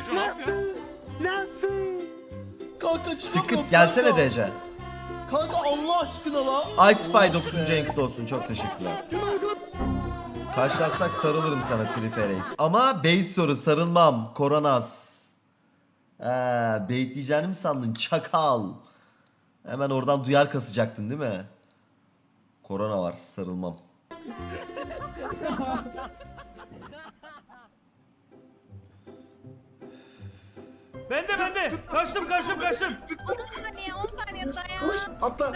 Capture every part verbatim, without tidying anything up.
Neco ne yapıyorsun? Nasıl? Kanka çıkamıyorum. Sıkıp gelsene kanka. D C. Kanka Allah aşkına la. Icefy dokuzuncu renkli olsun. Çok teşekkürler. Karşılaşsak sarılırım sana Triferex. Ama bait soru sarılmam. Koronas. Ee, bait diyeceğini mi sandın? Çakal. Hemen oradan duyar kasacaktın değil mi? Korona var. Sarılmam. Bende bende. Kaçtım kaçtım kaçtım. on saniye on saniye dayan. Atla.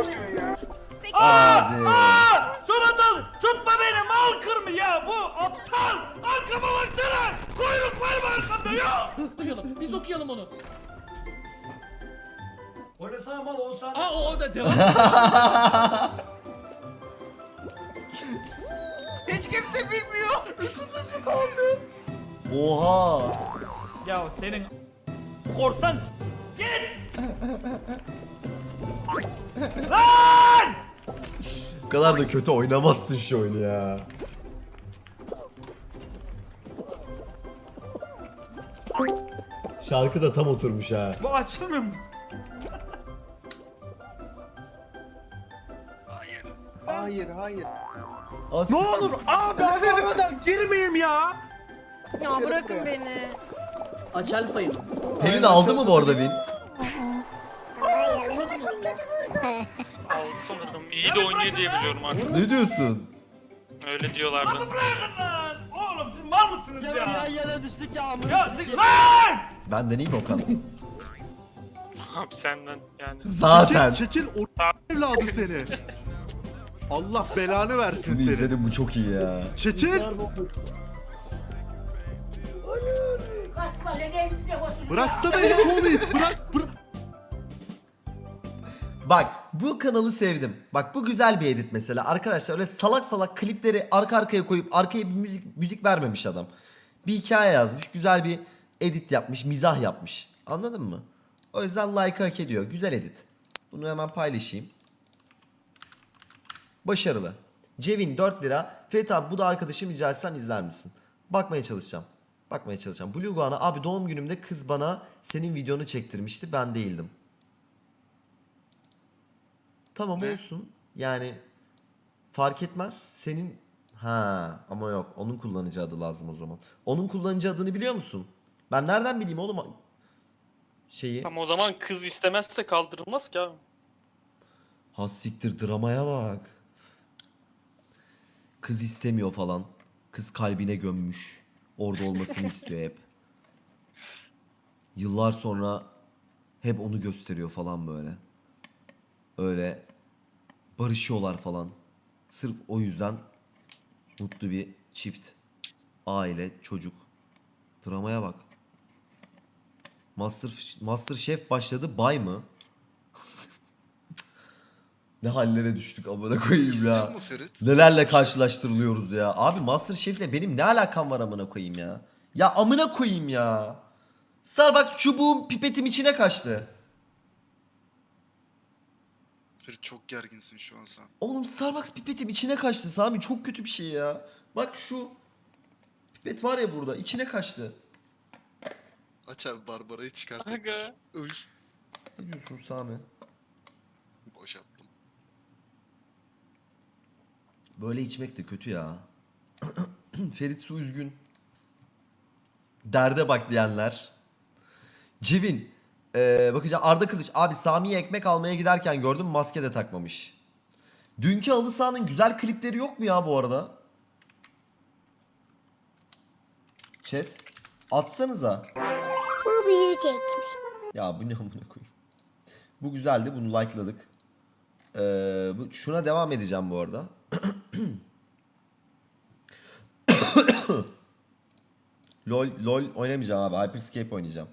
Aa! Abi. Aa! Son anda tutma beni mal kırmı ya bu aptal. Arkama baksana. Kuyruk var mı arkamda ya? Okuyalım. Biz okuyalım onu. Oynasana mal on saniye. Aa o da devam. Hiç kimse bilmiyor. Oha. Ya senin korsan git. Lan! Bu kadar da kötü oynamazsın şu oyunu ya. Şarkı da tam oturmuş ha. Bu açılmıyor mu? Hayır hayır. As Ne olur abi ben girmeyeyim ya. Ya bırakın beni. Aç alfayı. Pelin aldı mı bu arada Vin? Aldı sanırım. İyi de oynuyor diye biliyorum artık. Ne diyorsun? Öyle diyorlardı. Bırakın lan! Oğlum siz mal mısınız ya? Ya yere düştük ya amına. Ya siz lan! Ben deneyeyim Okan. Abi senden yani. Zaten. Çekil, çekil o evladı seni. Allah belanı versin Bunu seni. izledim, bu çok iyi ya. Çekil. Bıraksana ya onu it. Bırak. Bırak. Bak bu kanalı sevdim. Bak bu güzel bir edit mesela. Arkadaşlar öyle salak salak klipleri arka arkaya koyup arkaya bir müzik müzik vermemiş adam. Bir hikaye yazmış. Güzel bir edit yapmış. Mizah yapmış. Anladın mı? O yüzden like hak ediyor. Güzel edit. Bunu hemen paylaşayım. Başarılı. Cevin dört lira. Fethi abi bu da arkadaşım, rica etsem izler misin? Bakmaya çalışacağım. Bakmaya çalışacağım. Blue Guana abi doğum günümde kız bana senin videonu çektirmişti. Ben değildim. Tamam olsun. Yani fark etmez. Senin ha ama yok. Onun kullanıcı adı lazım o zaman. Onun kullanıcı adını biliyor musun? Ben nereden bileyim oğlum şeyi? Ama o zaman kız istemezse kaldırılmaz ki abi. Ha siktir, dramaya bak. Kız istemiyor falan. Kız kalbine gömmüş. Orada olmasını istiyor hep. Yıllar sonra hep onu gösteriyor falan böyle. Öyle barışıyorlar falan. Sırf o yüzden mutlu bir çift. Aile, çocuk. Dramaya bak. Master Master Chef başladı, bay mı? Ne hallere düştük amına koyayım İstiyor ya. mu Ferit? Nelerle karşılaştırılıyoruz ya. Abi Master Chef'le benim ne alakam var amına koyayım ya. Ya amına koyayım ya. Starbucks çubuğum pipetim içine kaçtı. Ferit çok gerginsin şu an sen. Oğlum Starbucks pipetim içine kaçtı Sami, çok kötü bir şey ya. Bak şu pipet var ya burada, içine kaçtı. Aç abi Barbara'yı çıkart. Aga. Öl. Ne diyorsun Sami? Boş yaptım. Böyle içmek de kötü ya. Ferit Su üzgün. Derde bak diyenler. Civin. Ee, bakacağım Arda Kılıç. Abi Sami'ye ekmek almaya giderken gördüm, maske de takmamış. Dünkü halı sahanın güzel klipleri yok mu ya bu arada? Chat. Atsanıza. Bu büyüyecek mi? Ya bu ne amına koyayım. Bu güzeldi, bunu likeladık. Ee, bu, şuna devam edeceğim bu arada. LOL, LOL oynamayacağım abi. Hyperscape oynayacağım.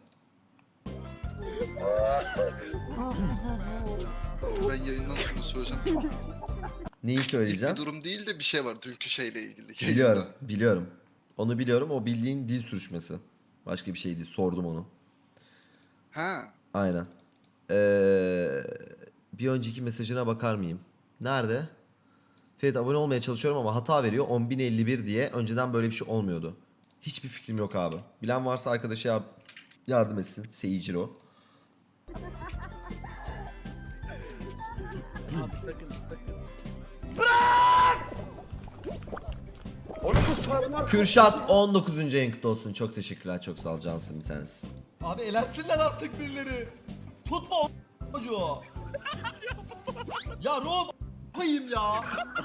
Ben yayından sonra söyleyeceğim. Çok Neyi bir söyleyeceğim? durum değil de bir şey var dünkü şeyle ilgili. Biliyorum, Yayında. biliyorum. Onu biliyorum. O bildiğin dil sürüşmesi. Başka bir şey değil. Sordum onu. Ha. Aynen. Ee, bir önceki mesajına bakar mıyım? Nerede? Ferit abone olmaya çalışıyorum ama hata veriyor. on bin elli bir diye. Önceden böyle bir şey olmuyordu. Hiçbir fikrim yok abi. Bilen varsa arkadaşa yar- yardım etsin. Seijiro. Kürşat on dokuzuncu ayın kutlu olsun. Çok teşekkürler. Çok sağ ol cansın bir tanesi. Abi elensinler artık birileri. Tutma o çocuğu. Ya Rom koyayım ya.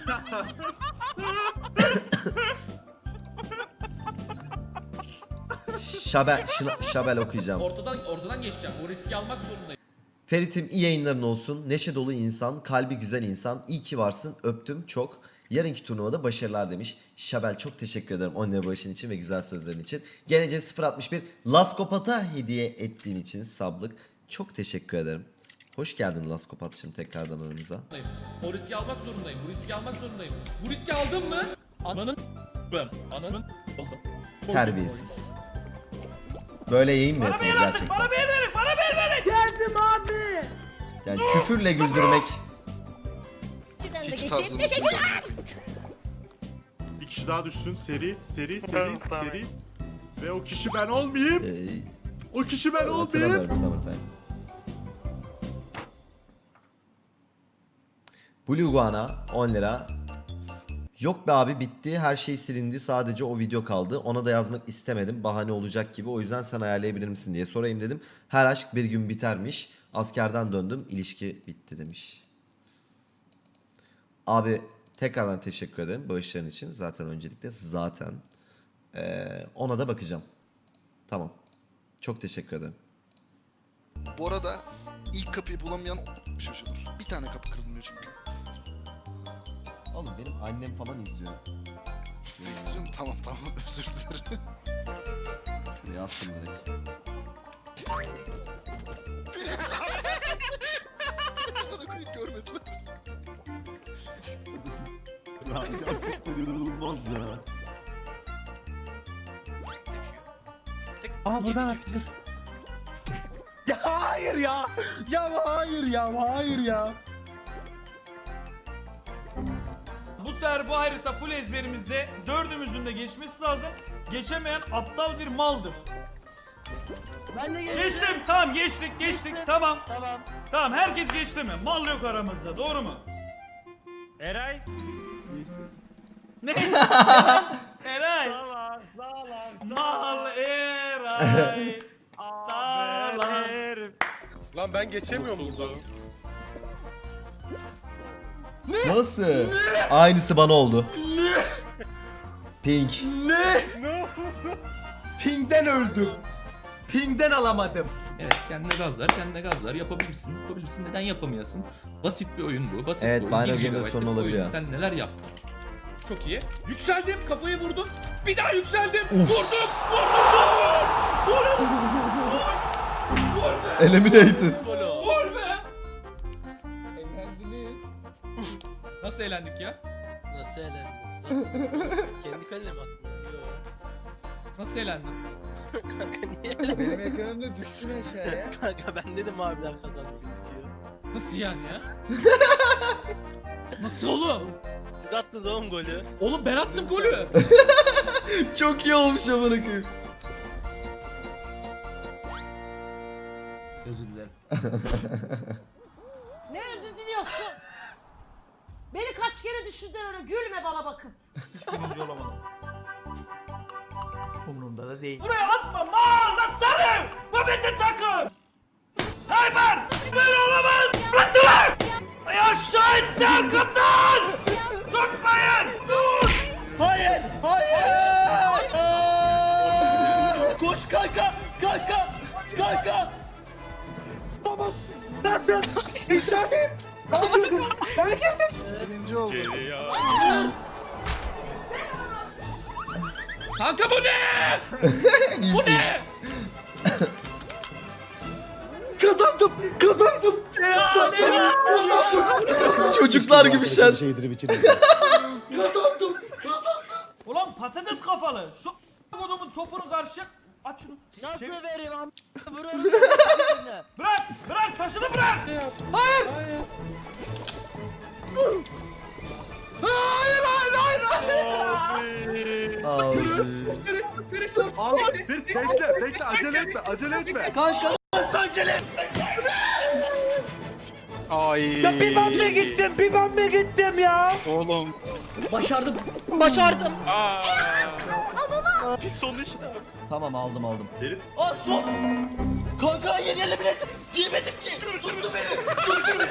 Şabel, şına- şabel okuyacağım. Ortadan ortadan geçeceğim. O riski almak zorundayım. Ferit'im iyi yayınların olsun. Neşe dolu insan, kalbi güzel insan. İyi ki varsın. Öptüm çok. Yarınki turnuvada başarılar demiş. Şabel çok teşekkür ederim on lira bağışın için ve güzel sözlerin için. Gelece sıfır altmış bir Laskopat'a hediye ettiğin için sablık. Çok teşekkür ederim. Hoş geldin Laskopat'cığım tekrardan aramıza. O riski almak zorundayım. Bu riski almak zorundayım. Bu riski aldın mı? Ananın ben. Ananın oldum. Terbiyesiz. Böyle yayın mı Bana yapılır bir artık, gerçekten? bana bir verin, bana bir verin. Geldim abi. Yani küfürle güldürmek. Şuradan da Hiç geçeyim. tarzımız Teşekkürler. Bir kişi daha düşsün. Seri, seri, seri, Tamam, tamam. seri. Ve o kişi ben olmayayım. Ee, O kişi ben olmayayım. hatırlamıyorum Summertime. Blue Guana on lira. Yok be abi bitti. Her şey silindi. Sadece o video kaldı. Ona da yazmak istemedim. Bahane olacak gibi. O yüzden sen ayarlayabilir misin diye sorayım dedim. Her aşk bir gün bitermiş. Askerden döndüm. İlişki bitti demiş. Abi tekrardan teşekkür ederim bağışların için. Zaten öncelikle zaten. Ee, ona da bakacağım. Tamam. Çok teşekkür ederim. Bu arada ilk kapıyı bulamayan çocuğudur. Bir tane kapı kırılmıyor çünkü. Oğlum benim annem falan izliyor. Ne istiyorsun? Tamam tamam özür dilerim. Şuraya attım direkt. Bana koyup görmediler. Ya gerçekten inanılmaz ya. Aa buradan dur. Ya hayır ya. Ya hayır ya hayır ya. Bu sefer bu harita full ezberimizde dördümüzün de geçmesi lazım. Geçemeyen aptal bir maldır. Ben de Geçtim, tamam geçtik, geçtik, tamam. Tamam. Tamam, herkes geçti mi? Mal yok aramızda, doğru mu? Eray. Ne? Eray. Sağ sağ Mal Eray. Sağlam. Lan ben geçemiyorum buradan. Nasıl? Aynısı bana oldu. Pink. Ping'den öldüm. Ping'den alamadım. Evet kendine gazlar, kendine gazlar. Yapabilirsin, yapabilirsin. Neden yapamayasın? Basit bir oyun bu. Basit Evet, bir oyun. Bino Bir Game'de gigabaytlık sorun bir olabiliyor. oyun. Sen neler yaptın? Çok iyi. Yükseldim, kafayı vurdum. Bir daha yükseldim. Vurdum, vurdum, vurdum. Vur. Vur be. Eliminated. Vur be. Nasıl eğlendik ya? Nasıl eğlendiniz? Kendi kaleme mi attın? Yok. Nasıl eğlendin? Kanka niye? Benim ekranımda düşsün aşağıya. Kanka ben dedim abiler kazanmak istiyor. Nasıl yani ya? Nasıl oğlum? Siz attınız oğlum golü. Oğlum ben attım golü. Çok iyi olmuş amına koyayım. Özür dilerim. Ne özür diliyorsun? Beni kaç kere düşürdün öyle gülme bana bakıp. Hiç birinci olamadım. Umurumda da değil. Buraya atma mal lan sarı! Bu bizim takım! Hayber! Böyle olamaz! Bıraktılar! Ay aşağı etti arkamdan! Tutmayın! Dur! Hayır! Hayır! Aa! Koş kanka! Kanka! Kanka! Birinci oldu. Kanka bu ne? Bu ne? Kazandım! Kazandım! Çocuklar gibi şen. Kazandım! Ulan patates kafalı! Şu kodumun topunu karşı aç şunu. Nasıl Çevir. vereyim am? Vuruyorum. Bırak! Bırak! Taşını bırak! Hayır hayır hayır Abi. Ferit dur. Abi dur bekle bekle acele etme acele etme. Kanka nasıl acele etme? Ay. Ya bir ben mi gittim bir ben mi gittim ya? Oğlum. Başardım. Başardım. Aa. Bir sonuçta. Tamam aldım aldım. Ferit. Aa son. Kanka hayır yerle bilet. Giyemedim ki. Tuttu beni. Tuttu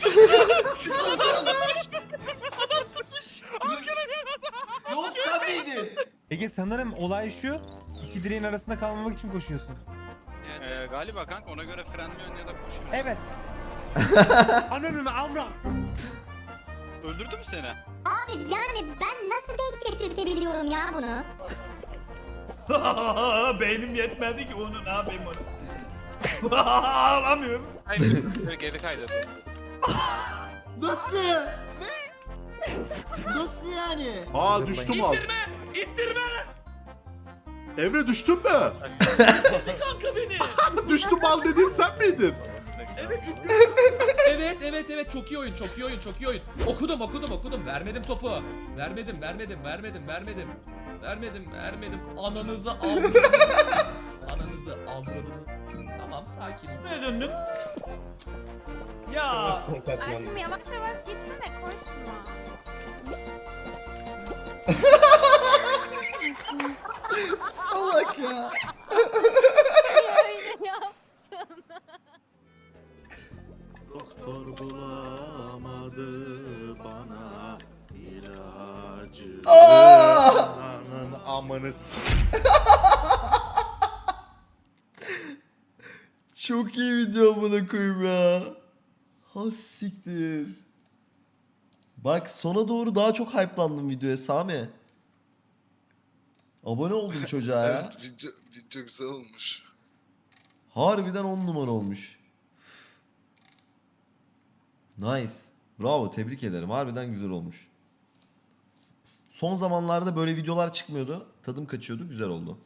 beni. Yok sen miydin? Ege sanırım olay şu. İki direğin arasında kalmamak için koşuyorsun. Ee, galiba kanka ona göre frenliyorsun ya da koşuyorsun. Evet. Ananı amra. Öldürdü mü seni? Abi yani ben nasıl denk getirtebiliyorum ya bunu? Beynim yetmedi ki onu ne yapayım onu. Ağlamıyorum. Hayır, böyle geri kaydı. Nasıl? Ne? Nasıl yani? Aa düştüm abi. İttirme! İttirme! Emre düştün mü? Kanka beni! Düştüm mal dediğim sen miydin? Evet ittirme! Evet evet evet çok iyi oyun çok iyi oyun çok iyi oyun. Okudum okudum okudum vermedim topu. Vermedim vermedim vermedim vermedim. Vermedim vermedim. Ananızı avradınız. Ananızı avradınız. Tamam sakin. Ne döndün? Ya! Aşkım yavaş yavaş gitsene koşma. Salak ya. Öyle yap. Doktor bulamadı bana ilacı. Aa! Ananı amanı s- Çok iyi video buna koyayım ya. Ha siktir. Bak sona doğru daha çok hype'landım videoya Sami. Abone oldum çocuğa ya. Evet video, video güzel olmuş. Harbiden on numara olmuş. Nice. Bravo tebrik ederim. Harbiden güzel olmuş. Son zamanlarda böyle videolar çıkmıyordu. Tadım kaçıyordu. Güzel oldu.